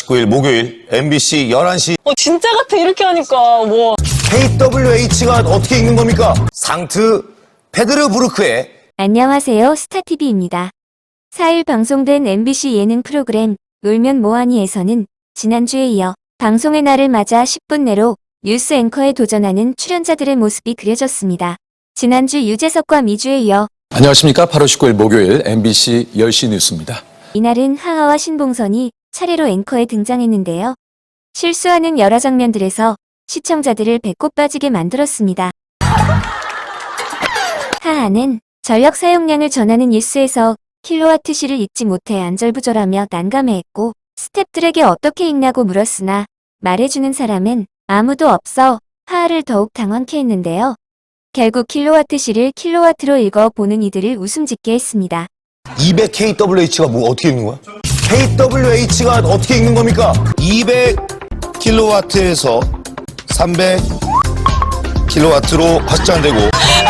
19일 목요일 MBC 11시 진짜 같아 이렇게 하니까 뭐. KWH가 어떻게 읽는 겁니까? 상트 페드르부르크의 안녕하세요. 스타TV입니다. 4일 방송된 MBC 예능 프로그램 놀면 뭐하니에서는 지난주에 이어 방송의 날을 맞아 10분 내로 뉴스 앵커에 도전하는 출연자들의 모습이 그려졌습니다. 지난주 유재석과 미주에 이어 안녕하십니까. 8월 19일 목요일 MBC 10시 뉴스입니다. 이날은 하하와 신봉선이 차례로 앵커에 등장했는데요. 실수하는 여러 장면들에서 시청자들을 배꼽 빠지게 만들었습니다. 하하는 전력 사용량을 전하는 뉴스에서 킬로와트시를 잊지 못해 안절부절하며 난감해했고 스태프들에게 어떻게 읽냐고 물었으나 말해주는 사람은 아무도 없어 하하를 더욱 당황케 했는데요. 결국 킬로와트시를 킬로와트로 읽어보는 이들을 웃음 짓게 했습니다. 200KWH가 뭐 어떻게 읽는 거야? KWH가 어떻게 읽는 겁니까? 200kW에서 300kW로 확장되고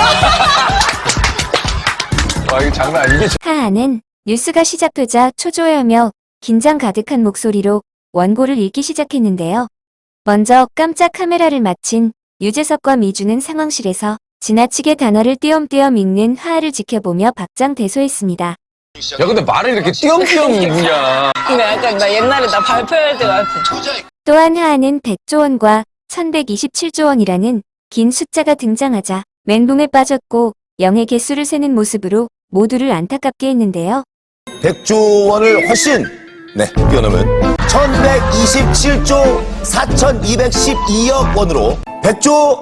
이게 장난 아니게. 하하는 뉴스가 시작되자 초조해하며 긴장 가득한 목소리로 원고를 읽기 시작했는데요. 먼저 깜짝 카메라를 마친 유재석과 미주는 상황실에서 지나치게 단어를 띄엄띄엄 읽는 하하를 지켜보며 박장대소했습니다. 야, 근데 말을 이렇게 띄엄띄엄 읽냐. 근데 약간 나 옛날에 나 발표할 때 같아. 또한 하하는 100조 원과 1127조 원이라는 긴 숫자가 등장하자 멘붕에 빠졌고 영의 개수를 세는 모습으로 모두를 안타깝게 했는데요. 100조 원을 훨씬 뛰어넘은 1127조 4212억 원으로 100조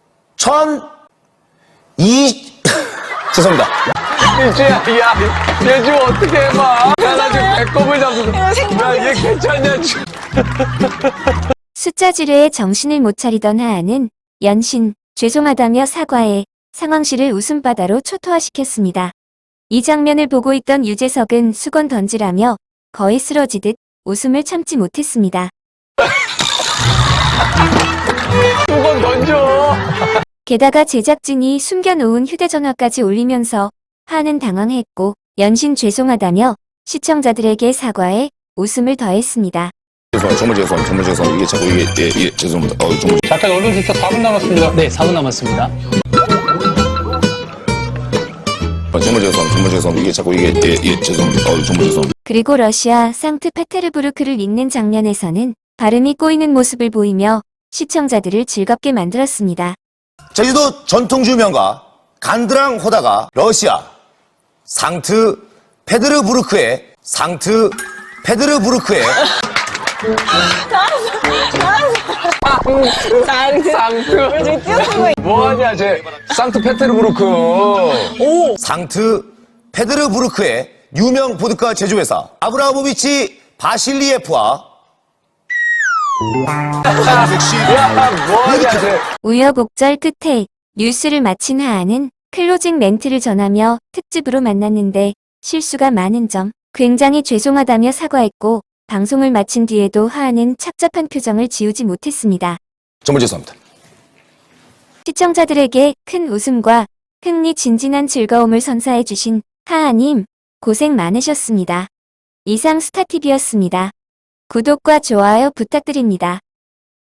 죄송합니다. 미주야, 야, 얘 좀 어떻게 해봐. 야, 나 지금 배꼽을 잡고. 야, 얘 괜찮냐, 지금. 숫자 지뢰에 정신을 못 차리던 하하는 연신 죄송하다며 사과해 상황실을 웃음바다로 초토화시켰습니다. 이 장면을 보고 있던 유재석은 수건 던지라며 거의 쓰러지듯 웃음을 참지 못했습니다. 수건 던져. 게다가 제작진이 숨겨놓은 휴대전화까지 올리면서 하하는 당황했고 연신 죄송하다며 시청자들에게 사과해 웃음을 더했습니다. 정말 죄송합니다. 이게 자꾸 이게 죄송합니다. 정말. 잠깐 언론 주차 4분 남았습니다. 네, 4분 남았습니다. 정말 죄송합니다. 이게 자꾸 이게 죄송합니다. 정말 죄송합니다. 그리고 러시아 상트페테르부르크를 읽는 장면에서는 발음이 꼬이는 모습을 보이며 시청자들을 즐겁게 만들었습니다. 제주도 전통주 명가 간드랑 호다가 러시아 상트 페드르부르크의 쌍트. 뭐하냐, 쟤. 상트페테르부르크. 상트 페드르부르크의 유명 보드카 제조회사 아브라모비치 바실리예프와 야, 뭐하냐, 쟤. 우여곡절 끝에 뉴스를 마친 하하는 클로징 멘트를 전하며 특집으로 만났는데 실수가 많은 점 굉장히 죄송하다며 사과했고 방송을 마친 뒤에도 하하는 착잡한 표정을 지우지 못했습니다. 정말 죄송합니다. 시청자들에게 큰 웃음과 흥미진진한 즐거움을 선사해 주신 하하님 고생 많으셨습니다. 이상 스타TV였습니다. 구독과 좋아요 부탁드립니다.